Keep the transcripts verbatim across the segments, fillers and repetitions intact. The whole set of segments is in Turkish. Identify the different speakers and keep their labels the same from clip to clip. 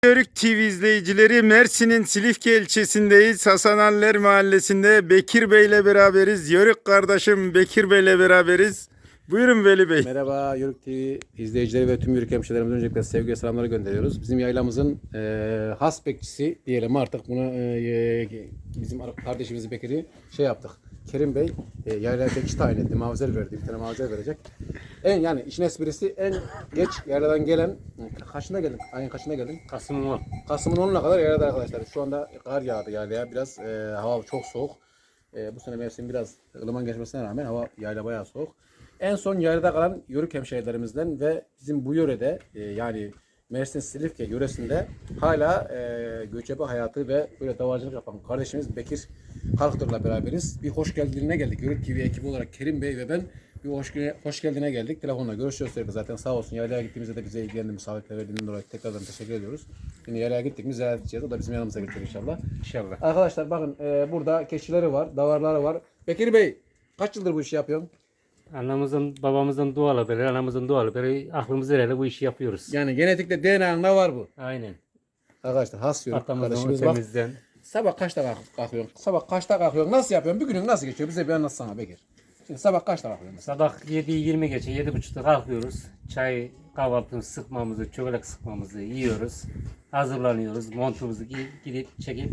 Speaker 1: Yörük T V izleyicileri, Mersin'in Silifke ilçesindeyiz. Hasananler Mahallesi'nde Bekir Bey ile beraberiz. Yörük kardeşim Bekir Bey ile beraberiz. Buyurun Veli Bey.
Speaker 2: Merhaba Yörük T V izleyicileri ve tüm Yörük hemşehrilerimize öncelikle sevgi ve selamları gönderiyoruz. Bizim yaylamızın e, has bekçisi diyelim artık bunu e, bizim kardeşimiz Bekir'i şey yaptık. Kerim Bey e, yaylaya bekçi tayin etti. Mavizer verdi. Bir tane mavizer verecek. En yani işin esprisi en geç yayladan gelen kaçında geldin? Ayın kaçında geldin?
Speaker 3: Kasım'ın on.
Speaker 2: Kasım'ın onuna kadar yaylada arkadaşlar. Şu anda kar yağdı yaylaya. Biraz e, hava çok soğuk. E, bu sene mevsim biraz ılıman geçmesine rağmen hava yayla bayağı soğuk. En son yaylada kalan Yörük hemşehrilerimizden ve bizim bu yörede e, yani Mersin Silifke yöresinde hala e, göçebe hayatı ve böyle davacılık yapan kardeşimiz Bekir Kalktır'la beraberiz. Bir hoş geldinine geldik. Yörük T V ekibi olarak Kerim Bey ve ben bir hoş, hoş geldine geldik. Telefonla görüşüyoruz sürekli zaten, sağ olsun. Yaylaya gittiğimizde de bize ilgilendi, misafirler verdiğinden dolayı tekrardan teşekkür ediyoruz. Şimdi yaylaya gittik mi ziyaret edeceğiz. O da bizim yanımıza gelecek inşallah.
Speaker 3: İnşallah.
Speaker 2: Arkadaşlar bakın e, burada keçileri var, davarları var. Bekir Bey kaç yıldır bu işi yapıyorsun?
Speaker 3: Anamızın, babamızın dualı beri, anamızın dualı beri aklımız ereli bu işi yapıyoruz.
Speaker 2: Yani genetikte D N A'nda var bu.
Speaker 3: Aynen.
Speaker 2: Arkadaşlar has Yörük
Speaker 3: Atamızın
Speaker 2: kardeşimiz bak.
Speaker 3: ötemizden.
Speaker 2: Sabah kaçta kalk- kalkıyorsun? Sabah kaçta kalkıyorsun? Nasıl yapıyorsun? Bir günün nasıl geçiyor? Bize bir anlatsana Bekir. Şimdi sabah kaçta kalkıyorsun mesela?
Speaker 3: Sabah yedi yirmi geçe, yedi buçukta kalkıyoruz. Çay, kahvaltımızı, sıkmamızı, çökelek sıkmamızı yiyoruz. Hazırlanıyoruz. Montumuzu giy- gidip çekip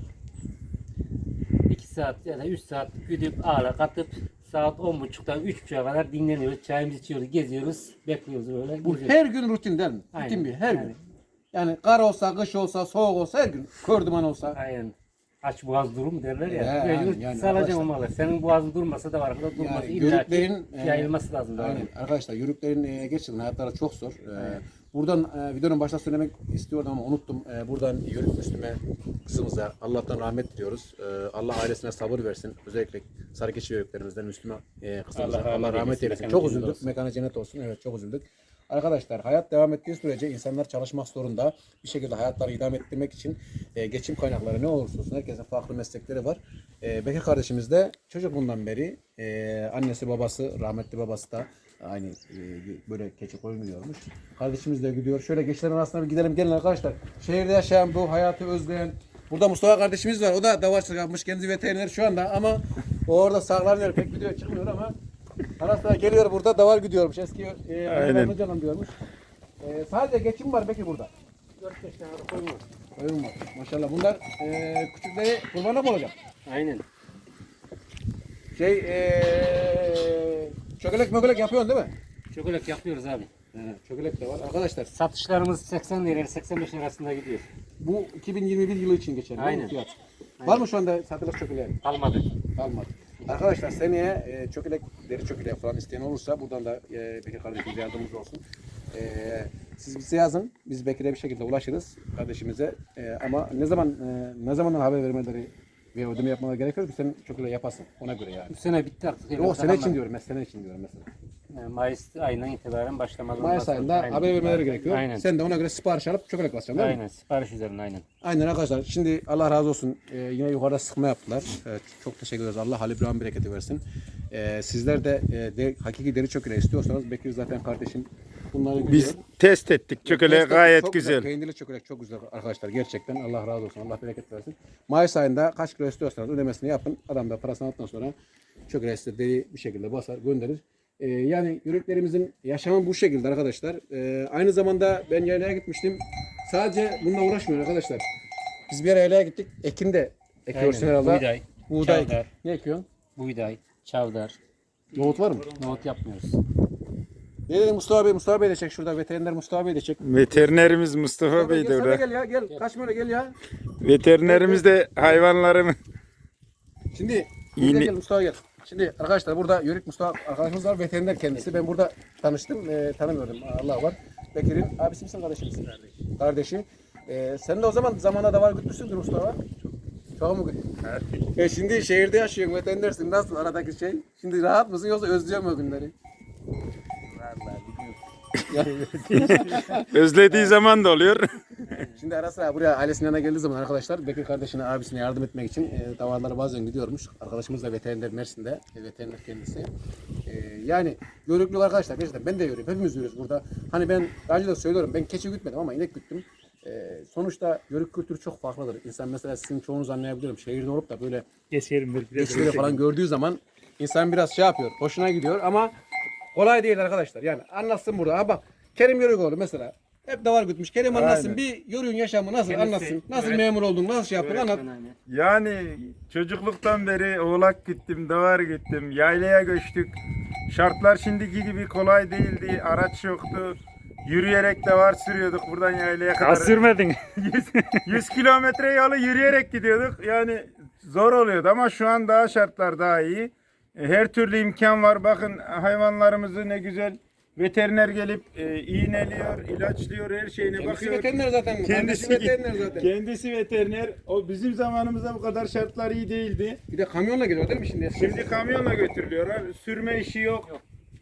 Speaker 3: iki saat ya da üç saat güdüp ağla katıp saat on buçuktan üç buçuğa kadar dinleniyoruz. Çayımızı içiyoruz, geziyoruz, bekliyoruz böyle.
Speaker 2: Bu
Speaker 3: geziyoruz.
Speaker 2: her gün rutin değil mi?
Speaker 3: Aynen.
Speaker 2: Rutin bir her gün.
Speaker 3: Aynen.
Speaker 2: Yani kar olsa, kış olsa, soğuk olsa her gün. Kör duman olsa.
Speaker 3: Aynen. Aç boğaz durum derler ya.
Speaker 2: Ya,
Speaker 3: Mecbur
Speaker 2: yani, yani
Speaker 3: salacaksın
Speaker 2: arkadaşlar.
Speaker 3: o malı. Senin boğazın durmasa da var. Arkada durması
Speaker 2: Yani
Speaker 3: illa ki
Speaker 2: yörüklerin e,
Speaker 3: yayılması lazım.
Speaker 2: aynen.
Speaker 3: Aynen.
Speaker 2: Arkadaşlar yörüklerin e, gerçekten hayatları çok zor. E, buradan e, videonun başta söylemek istiyordum ama unuttum. E, buradan Yörük Müslüme kızımıza Allah'tan rahmet diliyoruz. E, Allah ailesine sabır versin. Özellikle Sarıkeşi yörüklerimizden Müslüme e, kızımıza
Speaker 3: Allah
Speaker 2: Allah,
Speaker 3: rahmet
Speaker 2: rahmet
Speaker 3: eylesin.
Speaker 2: eylesin.
Speaker 3: Mekanı
Speaker 2: Çok
Speaker 3: cennet
Speaker 2: üzüldük.
Speaker 3: olsun.
Speaker 2: Mekanı cennet olsun. Evet, çok üzüldük. Arkadaşlar hayat devam ettiği sürece insanlar çalışmak zorunda. Bir şekilde hayatlarını idame ettirmek için e, geçim kaynakları ne olursa olsun herkesin farklı meslekleri var. E, Bekir kardeşimiz de çocukluğundan beri e, annesi babası, rahmetli babası da aynı e, böyle keçi koyun gidiyormuş. Kardeşimiz de gidiyor. Şöyle geçlerin arasına bir gidelim, gelin arkadaşlar. Şehirde yaşayan, bu hayatı özleyen, burada Mustafa kardeşimiz var. O da davarçılık yapmış. Kendisi veteriner şu anda ama o orada saklanıyor. Pek video çıkmıyor ama ara sıra geliyor, burada davar gidiyormuş. Eski e, aynen canım diyormuş. E, sadece geçim var Bekir burada.
Speaker 3: dört beş tane koyun var.
Speaker 2: Koyun var. Maşallah bunlar e, küçükleri kurbana mı olacak?
Speaker 3: Aynen.
Speaker 2: Şey e, çökelek mökelek yapıyorsun değil mi?
Speaker 3: Çökelek yapıyoruz abi.
Speaker 2: He, çökelek de var. Arkadaşlar
Speaker 3: Satışlarımız seksen lira seksen beş lirasında gidiyor.
Speaker 2: bu iki bin yirmi bir yılı için geçerli.
Speaker 3: Aynen.
Speaker 2: Bu fiyat.
Speaker 3: Aynen.
Speaker 2: Var mı şu anda satılık çökeleğin?
Speaker 3: Almadı.
Speaker 2: Kalmadı. Arkadaşlar seneye e, çökelek, deri çökelek falan isteyen olursa buradan da e, Bekir kardeşimize yardımcımız olsun. E, siz bize yazın. Biz Bekir'e bir şekilde ulaşırız kardeşimize. E, ama ne zaman e, ne zamandan haber vermeleri ve ödeme yapmaları gerekiyor ki sen çökelek yapasın. Ona göre yani.
Speaker 3: Bu sene bitti artık.
Speaker 2: O sene için diyorum. Mesela sene için diyorum mesela.
Speaker 3: Yani Mayıs ayından itibaren başlamalı.
Speaker 2: Mayıs ayında haber vermeleri gerekiyor.
Speaker 3: Aynen.
Speaker 2: Sen de ona göre sipariş alıp çökelek basacaksın değil mi?
Speaker 3: Aynen. Sipariş üzerine aynen.
Speaker 2: Aynen arkadaşlar. Şimdi Allah razı olsun. Ee, yine yukarıda sıkma yaptılar. Evet, çok teşekkür ederiz. Allah Halil İbrahim bereketi versin. Ee, sizler de, e, de hakiki deri çökeleği istiyorsanız Bekir zaten kardeşim bunları biliyor.
Speaker 1: Biz test ettik. Çökeleği
Speaker 2: Test
Speaker 1: gayet
Speaker 2: çok
Speaker 1: güzel.
Speaker 2: Peynirli çökelek çok güzel arkadaşlar. Gerçekten Allah razı olsun. Allah bereket versin. Mayıs ayında kaç kilo istiyorsanız ödemesini yapın. Adam da parasını aldıktan sonra çökeleği size deri bir şekilde basar gönderir. Ee, yani yörüklerimizin yaşamı bu şekilde arkadaşlar. Ee, aynı zamanda ben yaylaya gitmiştim. Sadece bununla uğraşmıyor arkadaşlar. Biz bir ara yaylaya gittik. Ekin de ekiyorsun
Speaker 3: Aynen.
Speaker 2: herhalde.
Speaker 3: Buğday,
Speaker 2: Buğday.
Speaker 3: çavdar.
Speaker 2: Ne ekiyorsun?
Speaker 3: Buğday, çavdar.
Speaker 2: Nohut var mı?
Speaker 3: Nohut yapmıyoruz.
Speaker 2: Ne dedi Mustafa Bey? Mustafa Bey de çek şurada. Veteriner Mustafa Bey de çek.
Speaker 1: Veterinerimiz Mustafa Bey de
Speaker 2: Gel, sen de
Speaker 1: orada.
Speaker 2: gel ya. Gel. Kaçma öyle gel ya.
Speaker 1: Veterinerimiz de hayvanlarımı
Speaker 2: Şimdi
Speaker 1: İğne-
Speaker 2: gel, gel Mustafa gel. Şimdi arkadaşlar burada Yörük Mustafa arkadaşımız var, veteriner kendisi. Ben burada tanıştım, e, tanımıyordum. Allah var. Bekir'in abisi misin, kardeşi misin? Kardeşi. Kardeşi. E, sen de o zaman zamanda da var gütmüşsündür Mustafa. Çok. Çok mu güttün? E, şimdi şehirde yaşıyorsun, veterinersin. Nasıl aradaki şey? Şimdi rahat mısın yoksa özlüyor mu o günleri?
Speaker 1: özlediği zaman da oluyor.
Speaker 2: Şimdi ara sıra buraya ailesinin yanına geldiği zaman arkadaşlar Bekir kardeşine, abisine yardım etmek için e, davarlara bazen gidiyormuş. Arkadaşımız da veteriner Mersin'de, e, veteriner kendisi. E, yani yörüklük arkadaşlar, gerçekten ben de yörüyorum, hepimiz yörüyoruz burada. Hani ben daha önce de söylüyorum, ben keçi gütmedim ama inek güttüm. E, sonuçta yörük kültürü çok farklıdır. İnsan mesela sizin çoğunuz anlayabiliyorum. Şehirde olup da böyle
Speaker 4: Geçerim bir biraz.
Speaker 2: geçleri falan gördüğü zaman insan biraz şey yapıyor. Hoşuna gidiyor ama kolay değil arkadaşlar. Yani anlatsın burada. Ha bak Kerim Yörükoğlu mesela. Hep davar gütmüş. Kerim anlatsın.
Speaker 1: Aynen.
Speaker 2: Bir yörüğün yaşamı nasıl
Speaker 3: Kendisi
Speaker 2: anlatsın. Nasıl
Speaker 3: öğret-
Speaker 2: memur oldun, nasıl şey yaptın anlat.
Speaker 3: Öğretmen hani.
Speaker 1: Yani çocukluktan beri oğlak gittim, davar gittim, yaylaya göçtük. Şartlar şimdiki gibi kolay değildi, araç yoktu. Yürüyerek davar sürüyorduk buradan yaylaya kadar.
Speaker 4: Ya sürmedin.
Speaker 1: yüz kilometre yolu yürüyerek gidiyorduk. Yani zor oluyordu ama şu an daha şartlar daha iyi. E, Her türlü imkan var. Bakın hayvanlarımızı ne güzel veteriner gelip e, iğneliyor, ilaçlıyor, her şeyine
Speaker 2: Kendisi
Speaker 1: bakıyor.
Speaker 2: veteriner zaten.
Speaker 1: Kendisi,
Speaker 2: Kendisi veteriner zaten.
Speaker 1: kendisi veteriner. O bizim zamanımızda bu kadar şartlar iyi değildi.
Speaker 2: Bir de kamyonla geliyor değil mi şimdi?
Speaker 1: Şimdi kamyonla götürülüyorlar. Sürme işi yok.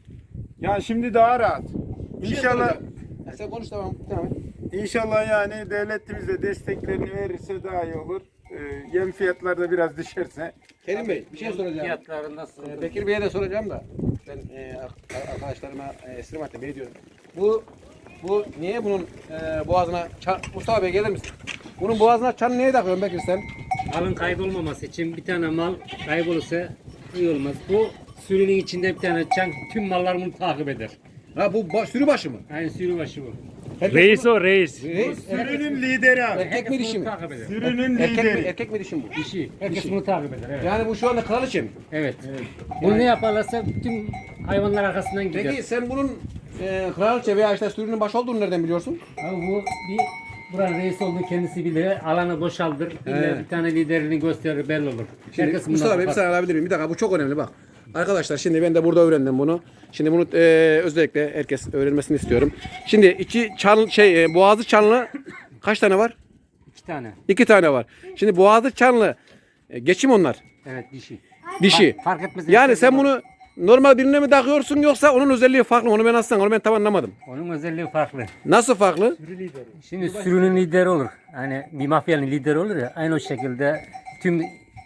Speaker 1: Ya şimdi daha rahat. İnşallah
Speaker 2: Ya sen konuş tamam. Tamam.
Speaker 1: İnşallah yani devletimiz de desteklerini verirse daha iyi olur. Ee, yem fiyatları da biraz düşerse.
Speaker 2: Kerim Bey bir şey soracağım.
Speaker 3: Fiyatları nasıl?
Speaker 2: Ee, Bekir Bey'e de soracağım da ben e, ar- arkadaşlarıma e, Esrim Hatta Bey diyorum. Bu bu niye bunun e, boğazına çan, Mustafa Bey gelir misin? Bunun boğazına çan niye takıyorsun Bekir sen?
Speaker 3: Malın kaybolmaması için bir tane mal kaybolursa iyi olmaz. Bu sürünün içinde bir tane çan tüm mallar bunu takip eder.
Speaker 2: Ha bu ba- sürü başı mı?
Speaker 3: Yani sürü başı bu.
Speaker 2: Herkes
Speaker 4: Reis
Speaker 2: bunu-
Speaker 4: o reis.
Speaker 2: Reis.
Speaker 1: Sürünün lideri abi.
Speaker 2: Erkek mi
Speaker 3: Herkes
Speaker 2: dişi
Speaker 3: bunu
Speaker 2: mi?
Speaker 3: takip eder.
Speaker 1: Sürünün
Speaker 2: Erkek mi,
Speaker 1: lideri.
Speaker 2: erkek mi dişi mi bu?
Speaker 3: Dişi. Herkes
Speaker 2: Dişi.
Speaker 3: bunu takip eder. Evet.
Speaker 2: Yani bu şu anda kraliçe mi?
Speaker 3: Evet. Bunu ne yaparlarsa bütün hayvanlar arkasından gider.
Speaker 2: Peki sen bunun e, kraliçe veya işte sürünün başı olduğunu nereden biliyorsun?
Speaker 3: Abi bu bir buranın reis olduğu kendisi bilir. Alanı boşaldır. İlle bir tane liderini gösterir belli olur.
Speaker 2: Şimdi
Speaker 3: Herkes
Speaker 2: Mustafa
Speaker 3: bundan
Speaker 2: Bey bir
Speaker 3: korkar.
Speaker 2: saniye alabilir miyim? Bir dakika bu çok önemli bak. Arkadaşlar şimdi ben de burada öğrendim bunu. Şimdi bunu e, özellikle herkes öğrenmesini istiyorum. Şimdi iki çan şey e, boğazı çanlı kaç tane var?
Speaker 3: İki tane.
Speaker 2: İki tane var. Şimdi boğazı çanlı e, geçim onlar.
Speaker 3: Evet dişi.
Speaker 2: Dişi.
Speaker 3: Fark etmez.
Speaker 2: Yani sen bunu normal birine mi takıyorsun yoksa onun özelliği farklı mı? Onu ben aslan onu ben tam anlamadım.
Speaker 3: Onun özelliği farklı.
Speaker 2: Nasıl farklı?
Speaker 3: Şimdi sürünün lideri olur. Hani bir mafyanın lideri olur ya. Aynı o şekilde tüm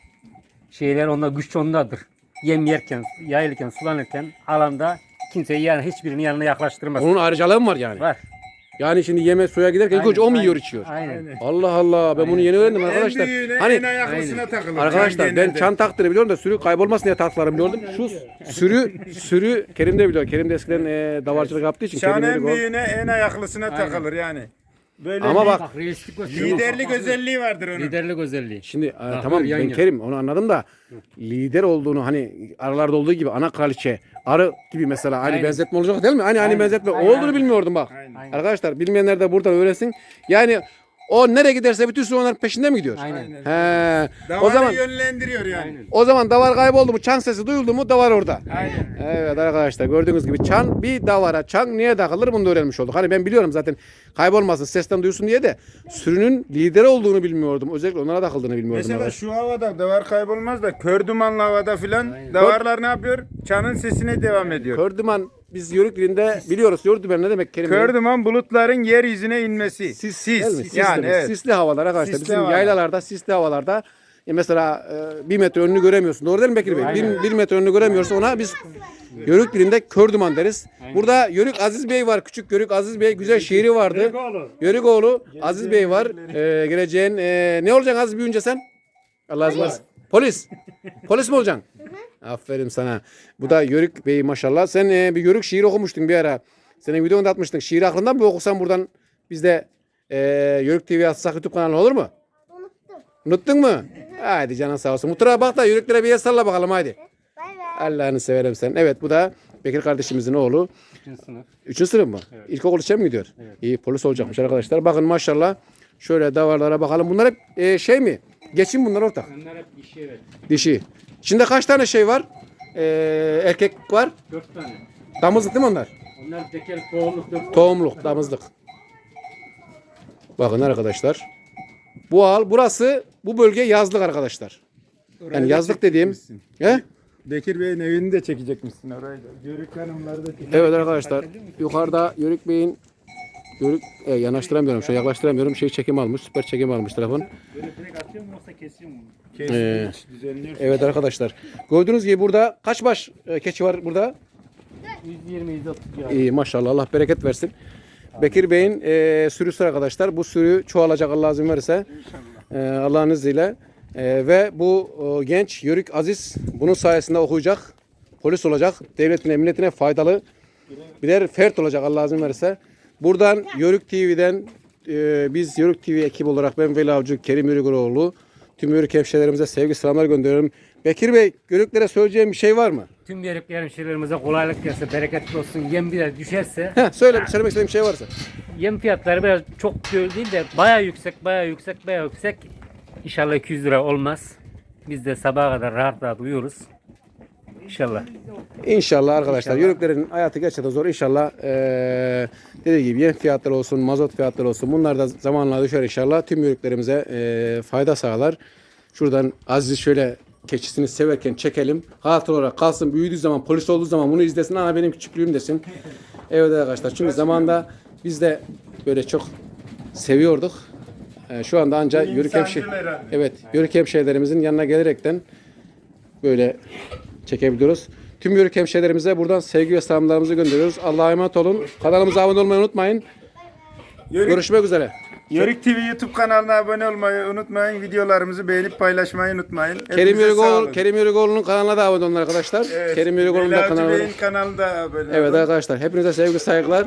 Speaker 3: şeyler onda güç ondadır. Yem yerken, yayılırken, sulanırken alanda kimseyi yani hiçbirinin yanına yaklaştırmaz.
Speaker 2: Onun ayrıcalığı mı var yani?
Speaker 3: Var.
Speaker 2: Yani şimdi yeme suya giderken ilk
Speaker 3: Aynen,
Speaker 2: önce o mu yiyor
Speaker 3: aynen,
Speaker 2: içiyor?
Speaker 3: Aynen.
Speaker 2: Allah Allah ben bunu yeni öğrendim
Speaker 1: En
Speaker 2: arkadaşlar.
Speaker 1: büyüğüne
Speaker 2: Hani
Speaker 1: en ayaklısına takılır.
Speaker 2: arkadaşlar
Speaker 1: Can
Speaker 2: ben
Speaker 1: genelde.
Speaker 2: çan taktığını biliyorum da sürü kaybolmasın diye taktıklarını biliyordum. Şu sürü sürü Kerim de biliyor. Kerim de eskiden e, davarcılık yaptığı için
Speaker 1: Şan
Speaker 2: Kerim
Speaker 1: en
Speaker 2: bilir bu.
Speaker 1: büyüğüne en ayaklısına takılır yani. Böyle
Speaker 2: Ama
Speaker 1: bir
Speaker 2: bak
Speaker 3: Bak reislik gösteriyor.
Speaker 1: liderlik özelliği vardır onun.
Speaker 3: Liderlik özelliği.
Speaker 2: şimdi e, tamam
Speaker 3: yan
Speaker 2: ben
Speaker 3: yana.
Speaker 2: Kerim onu anladım da lider olduğunu hani aralarda olduğu gibi ana kraliçe arı gibi mesela aynı
Speaker 3: Aynen.
Speaker 2: benzetme olacak değil mi? Hani aynı
Speaker 3: Aynen.
Speaker 2: benzetme
Speaker 3: Aynen,
Speaker 2: olduğunu
Speaker 3: aynen.
Speaker 2: bilmiyordum bak.
Speaker 1: Aynen.
Speaker 2: Arkadaşlar bilmeyenler de buradan öğrensin. Yani o nereye giderse bütün sürü onların peşinde mi gidiyor?
Speaker 3: Aynen.
Speaker 2: He.
Speaker 1: Davarı
Speaker 2: O zaman
Speaker 1: yönlendiriyor yani.
Speaker 3: Aynen.
Speaker 2: o zaman davar kayboldu mu çan sesi duyuldu mu davar orada.
Speaker 1: Aynen.
Speaker 2: Evet arkadaşlar gördüğünüz gibi çan bir davara çan niye takılır bunu da öğrenmiş olduk. Hani ben biliyorum zaten kaybolmasın sesten duyulsun diye de sürünün lideri olduğunu bilmiyordum. Özellikle onlara takıldığını bilmiyordum.
Speaker 1: Mesela
Speaker 2: arkadaşlar.
Speaker 1: şu havada davar kaybolmaz da kör dumanlı havada filan davarlar ne yapıyor? Çanın sesine devam ediyor.
Speaker 2: Kördüman biz yörük dilinde biliyoruz. Yörük dümen ne demek kelime?
Speaker 1: Kör duman bulutların yeryüzüne inmesi.
Speaker 2: Sis,
Speaker 1: Sis.
Speaker 2: değil mi? Sis
Speaker 1: Yani
Speaker 2: demek.
Speaker 1: evet.
Speaker 2: Sisli havalar arkadaşlar.
Speaker 1: Sisli
Speaker 2: Bizim
Speaker 1: havalar.
Speaker 2: yaylalarda sisli havalarda e mesela e, bir metre önünü göremiyorsun. Doğru değil mi Bekir Bey? Bir, bir metre önünü göremiyorsa ona biz yörük dilinde kör duman deriz. Burada Yörük Aziz Bey var. Küçük Yörük Aziz Bey. Güzel şiiri vardı. Yörükoğlu Aziz Bey var. E, geleceğin e, ne olacaksın Aziz büyüyünce sen? Allah razı olsun. Polis. Polis mi olacaksın? Aferin sana. Bu da Yörük Bey maşallah. Sen e, bir Yörük şiir okumuştun bir ara. Senin videonu da atmıştık. Şiiri aklından mı okusan buradan biz de e, Yörük T V atsak YouTube kanalına olur mu?
Speaker 5: Unuttum.
Speaker 2: Unuttun mu? Haydi canın sağ olsun. Mutlaka bak da Yörüklere bir el salla bakalım haydi.
Speaker 5: Bay bay.
Speaker 2: Allah'ını severim sen. Evet bu da Bekir kardeşimizin oğlu.
Speaker 3: Üçüncü sınıf.
Speaker 2: Üçüncü sınıf mı? İlkokul içe mi gidiyor? İyi polis olacakmış arkadaşlar. Bakın maşallah. Şöyle davarlara bakalım. Bunlar hep e, şey mi? Geçin bunlar ortak.
Speaker 3: Onlar hep dişi evet.
Speaker 2: Dişi. İçinde kaç tane şey var? E, erkek var.
Speaker 3: Dört tane.
Speaker 2: Damızlık değil mi onlar?
Speaker 3: Onlar tekel tohumluk dört.
Speaker 2: Tohumluk, damızlık. Bakın arkadaşlar. Bu al, burası, bu bölge yazlık arkadaşlar. Yani yazlık dediğim. He?
Speaker 1: Bekir Bey'in evini de çekecekmişsin orayı da. Yörük hanımları da çekecek.
Speaker 2: Evet arkadaşlar. Yukarıda Yörük Bey'in Yörük, e, yanaştıramıyorum, şöyle yaklaştıramıyorum. Şey çekim almış, süper çekim almış telefon.
Speaker 4: Böyle direkt atıyor mu yoksa kesiyor mu?
Speaker 1: Kesin
Speaker 2: Ee,
Speaker 1: hiç düzenliyorsun.
Speaker 2: Evet arkadaşlar. Gördüğünüz gibi burada kaç baş e, keçi var burada?
Speaker 3: yüz yirmi yüz otuz ya.
Speaker 2: İyi maşallah Allah bereket versin. Bekir Bey'in e, sürüsü arkadaşlar. Bu sürü çoğalacak Allah izin verirse. E, Allah'ın izniyle. E, ve bu e, genç Yörük Aziz bunun sayesinde okuyacak. Polis olacak. Devletine, milletine faydalı birer fert olacak Allah izin verirse. Buradan Yörük T V'den e, biz Yörük T V ekibi olarak ben Veli Avcı, Kerim Yörükoğlu tüm Yörük hemşehrilerimize sevgi selamlar gönderiyorum. Bekir Bey, Yörüklere söyleyeceğim bir şey var mı?
Speaker 3: Tüm Yörük hemşehrilerimize kolaylık gelsin, bereketli olsun. Yem biraz düşerse,
Speaker 2: Heh, söyle, söylemek istediğim bir şey varsa.
Speaker 3: yem fiyatları biraz çok değil de bayağı yüksek, bayağı yüksek, bayağı yüksek. İnşallah iki yüz lira olmaz. Biz de sabaha kadar rahat rahat uyuyoruz. İnşallah.
Speaker 2: İnşallah arkadaşlar.
Speaker 3: İnşallah.
Speaker 2: Yörüklerin hayatı gerçekten zor. İnşallah eee dediği gibi yem fiyatları olsun, mazot fiyatları olsun. Bunlar da zamanla düşer inşallah. Tüm yörüklerimize eee, fayda sağlar. Şuradan Aziz şöyle keçisini severken çekelim. Hatır olarak kalsın. Büyüdüğü zaman, polis olduğu zaman bunu izlesin. Ana benim küçüklüğüm desin. Evet arkadaşlar. Çünkü zamanında biz de böyle çok seviyorduk. Eee, şu anda ancak
Speaker 1: Bir
Speaker 2: yörük hemşe
Speaker 1: insancıl herhalde.
Speaker 2: Evet, yörük hemşehrilerimizin yanına gelerekten böyle çekebiliyoruz. Tüm yörük hemşehrilerimize buradan sevgi ve selamlarımızı gönderiyoruz. Allah'a emanet olun. Kanalımıza abone olmayı unutmayın.
Speaker 1: Yörük,
Speaker 2: Görüşmek üzere.
Speaker 1: Yörük T V YouTube kanalına abone olmayı unutmayın. Videolarımızı beğenip paylaşmayı unutmayın.
Speaker 2: Kerim
Speaker 1: Hepinize sağ
Speaker 2: Yörükoğlu,
Speaker 1: olun.
Speaker 2: Kerim Yörükoğlu'nun kanalına da abone olun arkadaşlar.
Speaker 1: Evet,
Speaker 2: Kerim Yörükoğlu'nun da
Speaker 1: Veli Avcı
Speaker 2: kanalına.
Speaker 1: Bey'in kanalında abone
Speaker 2: Evet
Speaker 1: olun.
Speaker 2: arkadaşlar, hepinize sevgi saygılar.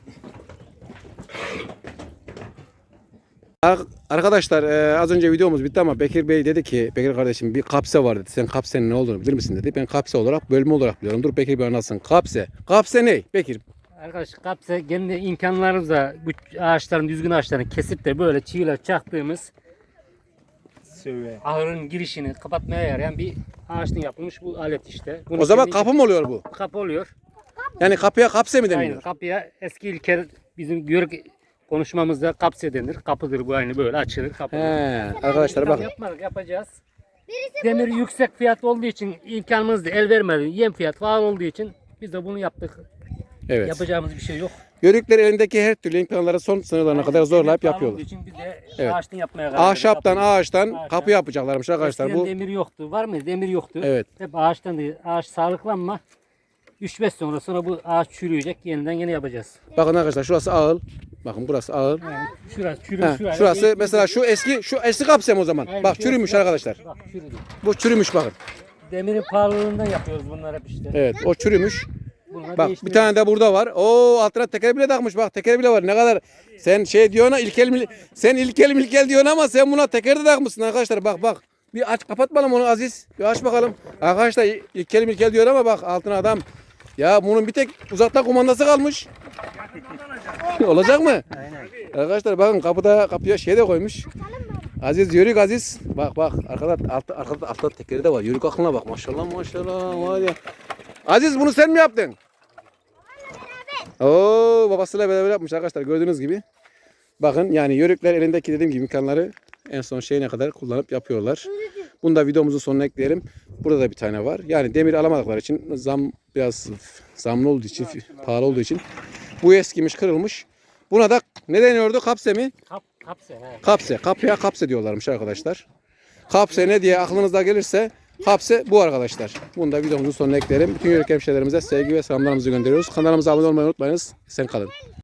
Speaker 2: Ar- Arkadaşlar e, az önce videomuz bitti ama Bekir Bey dedi ki, Bekir kardeşim bir kapse var dedi. Sen kapsenin ne olduğunu bilir misin dedi. Ben kapse olarak, bölme olarak biliyorum. Dur Bekir Bey anlatsın. Kapse. Kapse ne? Bekir.
Speaker 3: Arkadaş kapsa kendi imkanlarımızla bu ağaçların, düzgün ağaçların kesip de böyle çiviler çaktığımız
Speaker 4: Söyle.
Speaker 3: ahırın girişini kapatmaya yarayan bir ağaçtan yapılmış bu alet işte. Bunu
Speaker 2: O zaman
Speaker 3: kendi-
Speaker 2: kapı mı oluyor bu?
Speaker 3: kapı oluyor.
Speaker 2: Yani kapıya kapse mi
Speaker 3: Aynen
Speaker 2: deniyor?
Speaker 3: kapıya eski ilkel bizim Yörük konuşmamızda kapse denir. Kapıdır bu, aynı böyle açılır kapı.
Speaker 2: He, arkadaşlar bakın.
Speaker 3: Yapmadık, yapacağız. Demir yüksek fiyat olduğu için imkanımız da el vermedi. Yem fiyat falan olduğu için biz de bunu yaptık.
Speaker 2: Evet.
Speaker 3: Yapacağımız bir şey yok.
Speaker 2: Yörükler elindeki her türlü imkanları son sınırlarına kadar zorlayıp
Speaker 3: Demir pahalı
Speaker 2: yapıyorlar.
Speaker 3: olduğu için biz de
Speaker 2: Evet.
Speaker 3: ağaçtan yapmaya karar verdik.
Speaker 2: Ahşaptan,
Speaker 3: Kapıyı.
Speaker 2: ağaçtan
Speaker 3: Ağaçtan.
Speaker 2: kapı yapacaklarmış arkadaşlar.
Speaker 3: Eskiden
Speaker 2: Bu
Speaker 3: demir yoktu. Var mı? Demir yoktu.
Speaker 2: Evet.
Speaker 3: Hep ağaçtan değil. Ağaç sağlıklanma. üç beş sonra sonra bu ağaç çürüyecek. Yeniden yine yapacağız.
Speaker 2: bakın arkadaşlar şurası ağıl. Bakın burası ağıl.
Speaker 3: Yani şurası çürü,
Speaker 2: Ha,
Speaker 3: şurası.
Speaker 2: şurası mesela şu eski şu eski kapsam o zaman.
Speaker 3: Aynen,
Speaker 2: Bak
Speaker 3: şurası
Speaker 2: çürümüş
Speaker 3: bak.
Speaker 2: arkadaşlar.
Speaker 3: Bak çürüdü.
Speaker 2: Bu çürümüş bakın.
Speaker 3: Demirin pahalılığından yapıyoruz bunlar hep işte.
Speaker 2: Evet o çürümüş.
Speaker 3: Bunları
Speaker 2: Bak bir
Speaker 3: değiştiriyoruz.
Speaker 2: tane de burada var. Oo altına teker bile takmış bak teker bile var. Ne kadar sen şey diyorsun ilkel mil sen ilkel milkel diyorsun ama sen buna teker de takmışsın arkadaşlar. Bak bak. Bir aç kapat bakalım onu Aziz. Bir aç bakalım. Arkadaşlar ilkel milkel diyor ama bak altına adam. Ya bunun bir tek uzaktan kumandası kalmış. Olacak mı?
Speaker 3: Aynen.
Speaker 2: Arkadaşlar bakın kapıda kapıya şey de koymuş. Aziz Yörük Aziz. Bak bak arkada altta arkada altta tekeri de var. Yörük aklına bak. Maşallah maşallah var ya. Aziz bunu sen mi yaptın? Oo babasıyla beraber yapmış arkadaşlar gördüğünüz gibi. Bakın yani Yörükler elindeki dediğim gibi imkanları en son şeyine kadar kullanıp yapıyorlar. Bunu da videomuzun sonuna ekleyelim. Burada da bir tane var. Yani demir alamadıkları için zam biraz zamlı olduğu için pahalı olduğu için bu eskimiş kırılmış. Buna da ne deniyordu? Kapse mi?
Speaker 3: Kap, kapse. He.
Speaker 2: Kapse. Kapıya kapse diyorlarmış arkadaşlar. Kapse ne diye aklınızda gelirse kapse bu arkadaşlar. Bunu da videomuzun sonuna eklerim. Bütün yörük hemşehrilerimize sevgi ve selamlarımızı gönderiyoruz. Kanalımıza abone olmayı unutmayınız. Sen kalın.